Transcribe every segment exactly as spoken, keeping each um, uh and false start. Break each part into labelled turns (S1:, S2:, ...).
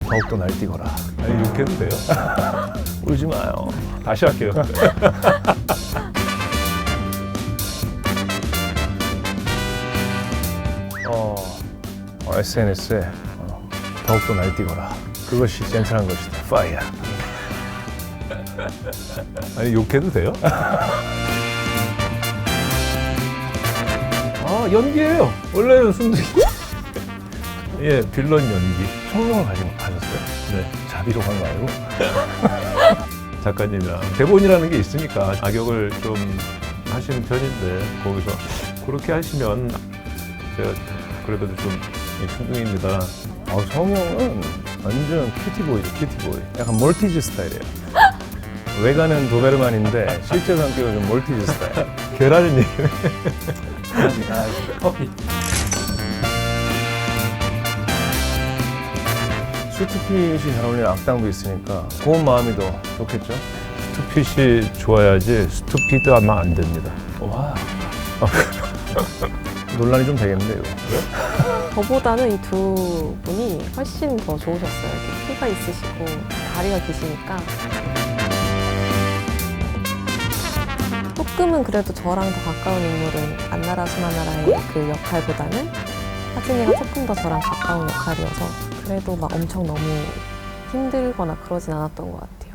S1: 더욱더 날뛰거라.
S2: 아니 이렇게 해도 돼요?
S1: 울지 마요.
S2: 다시 할게요.
S1: 어, 어, 에스엔에스에 어, 더욱더 날뛰거라. 그것이 젠틀한 것이다. 파이어.
S2: 아니 욕해도 돼요? 아 연기예요. 원래는 순둥이. 예, 빌런 연기.
S1: 성룡을 가지고 가셨어요?
S2: 네.
S1: 자비로 간 거 아니고?
S2: 작가님이랑 대본이라는 게 있으니까 악역을 좀 하시는 편인데 거기서 그렇게 하시면 제가 그래도 좀 순둥이입니다.
S1: 아, 성룡은 완전 큐티보이죠, 큐티보이. 약간 몰티즈 스타일이에요. 외관은 도베르만인데 실제 성격은 좀 몰티즈 스타일.
S2: 계란이
S1: 아, 커피. 수트핏이 잘 어울리는 악당도 있으니까 고운 마음이 더 좋겠죠?
S2: 스투핏이 좋아야지 스투피드 하면 안 됩니다.
S1: 와. 논란이 좀 되겠는데 이거.
S3: 저보다는 이 두 분이 훨씬 더 좋으셨어요. 이렇게 키가 있으시고 다리가 기시니까. 조금은 그래도 저랑 더 가까운 인물은 안나라 수마나라의 그 역할보다는 하진이가 조금 더 저랑 가까운 역할이어서 그래도 막 엄청 너무 힘들거나 그러진 않았던 것 같아요.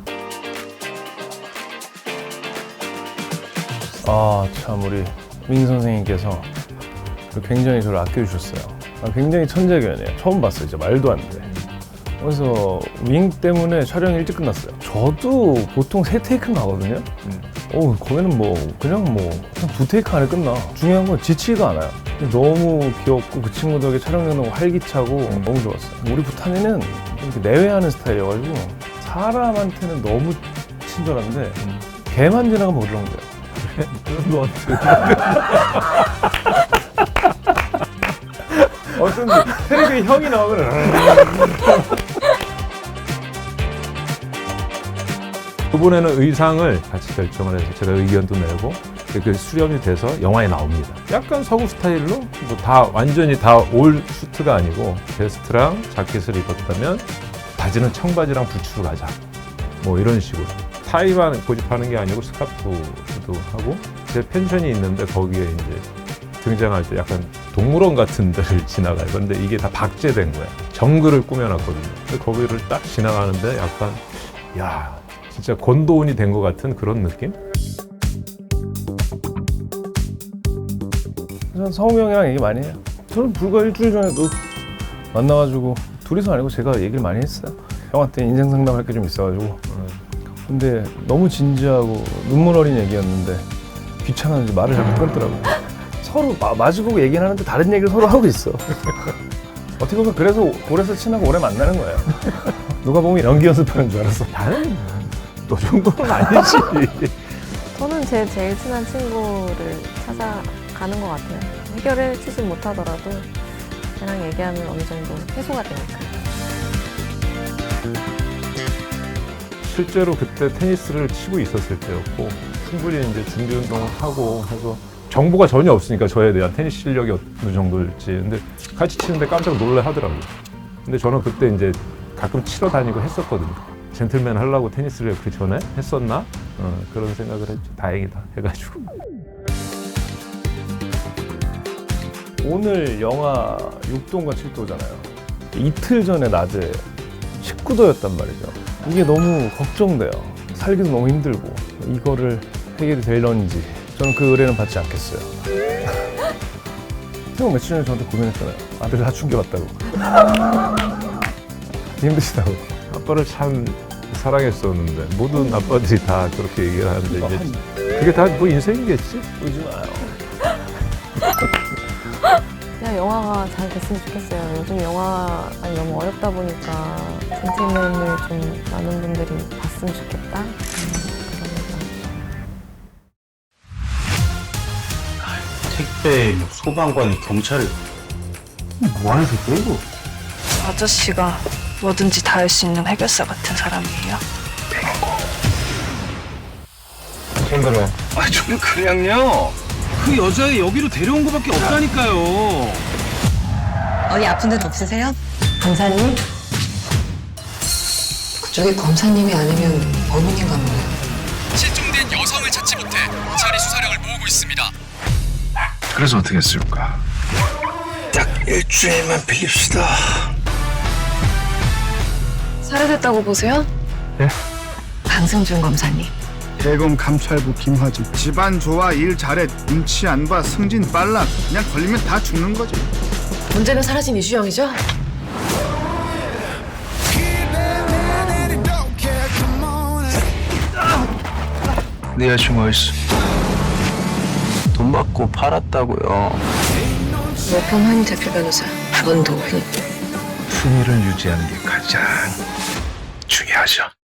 S1: 아, 참 우리 민 선생님께서 굉장히 저를 아껴주셨어요. 아, 굉장히 천재견이에요. 처음 봤어요. 진짜 말도 안 돼. 그래서 윙 때문에 촬영이 일찍 끝났어요. 저도 보통 세 테이크는 가거든요.
S2: 음.
S1: 어, 거기는 뭐 그냥 뭐 그냥 두 테이크 안에 끝나. 중요한 건 지치지가 않아요. 너무 귀엽고 그 친구들에게 촬영이 너무 활기차고
S2: 음.
S1: 너무 좋았어요. 우리 부탄이는 이렇게 내외하는 스타일이어가지고 사람한테는 너무 친절한데
S2: 음.
S1: 개만 지나가면 어지러운데요.
S2: 너한테
S1: 어쩐지 텔레비에 형이 나오면
S2: 이번에는 의상을 같이 결정을 해서 제가 의견도 내고 그 수렴이 돼서 영화에 나옵니다. 약간 서구 스타일로 뭐 다 완전히 다 올 수트가 아니고 베스트랑 자켓을 입었다면 바지는 청바지랑 부츠로 가자. 뭐 이런 식으로. 타이만 고집하는 게 아니고 스카프도 하고 제 펜션이 있는데 거기에 이제 등장할 때 약간 동물원 같은 데를 지나가요. 그런데 이게 다 박제된 거야. 정글을 꾸며놨거든요. 근데 거기를 딱 지나가는데 약간 야 진짜 권도운이 된 것 같은 그런 느낌?
S1: 저는 성우 형이랑 얘기 많이 해요. 저는 불과 일주일 전에도 만나가지고 둘이서 아니고 제가 얘기를 많이 했어요. 형한테 인생 상담할 게 좀 있어가지고. 근데 너무 진지하고 눈물 어린 얘기였는데 귀찮아서 말을 잘 못 끊더라고요. 서로 마, 마주보고 얘기는 하는데 다른 얘기를 서로 하고 있어. 어떻게 보면 그래서 오래서 친하고 오래 만나는 거예요. 누가 보면 연기 연습하는 줄 알았어.
S2: 나는 너 정도는 아니지.
S3: 저는 제 제일 친한 친구를 찾아가는 것 같아요. 해결해 주지 못하더라도 걔랑 얘기하면 어느 정도 해소가 되니까.
S2: 실제로 그때 테니스를 치고 있었을 때였고 충분히 이제 준비 운동을 하고 해서 정보가 전혀 없으니까 저에 대한 테니스 실력이 어느 정도일지. 근데 같이 치는데 깜짝 놀래 하더라고요. 근데 저는 그때 이제 가끔 치러 다니고 했었거든요. 젠틀맨 하려고 테니스를 그 전에 했었나? 어, 그런 생각을 했죠. 다행이다 해가지고.
S1: 오늘 영하 육 도인가 칠 도잖아요. 이틀 전에 낮에 십구 도였단 말이죠. 이게 너무 걱정돼요. 살기도 너무 힘들고 이거를 해결이 될런지 저는 그 의뢰는 받지 않겠어요. 형 며칠 전에 저한테 고민했잖아요. 아들 사춘 게 왔다고. 힘드시다고.
S2: 아빠를 참 사랑했었는데 모든 아빠들이 다 그렇게 얘기를 하는데 이제 그게 다 뭐 인생이겠지?
S1: 울지 마요.
S3: 그냥 영화가 잘 됐으면 좋겠어요. 요즘 영화가 너무 어렵다 보니까 젠틀맨을 좀 많은 분들이 봤으면 좋겠다. 음,
S4: 택배 소방관이 경찰을 뭐하는 새끼야 이거?
S5: 아저씨가 뭐든지 다 할 수 있는 해결사 같은 사람이에요.
S4: 힘들어.
S6: 아, 저는 그냥요. 그 여자애 여기로 데려온 거밖에 없다니까요.
S7: 어디 아픈 데는 없으세요?
S3: 강사님?
S7: 저게 검사님이 아니면 범인인가 보네요.
S8: 실종된 여성을 찾지 못해 경찰이 수사력을 모으고 있습니다.
S6: 그래서 어떻게 했을까? 딱 일주일만 빌립시다.
S5: 살해됐다고 보세요?
S6: 예?
S5: 강승준 검사님.
S9: 대검 감찰부 김화진. 집안 좋아, 일 잘해, 눈치 안 봐, 승진 빨라. 그냥 걸리면 다 죽는 거지.
S7: 문제는 사라진 이주영이죠?
S6: 네 여자친구 어딨어? 돈 받고 팔았다고요.
S5: 노평환 대표 변호사 원도훈.
S6: 품위를 유지하는 게 가장 중요하죠.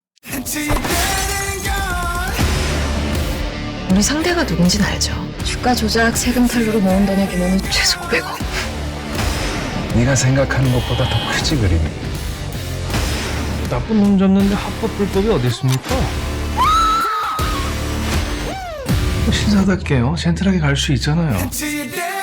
S7: 우리 상대가 누군지는 알죠. 주가 조작, 세금 탈루로 모은 돈의 규모는 최소 백억.
S6: 네가 생각하는 것보다 더 크지 그림이.
S1: 나쁜 놈 잡는데 합법 불법이 어디 있습니까?
S6: 신사답게요. 젠틀하게 갈 수 있잖아요.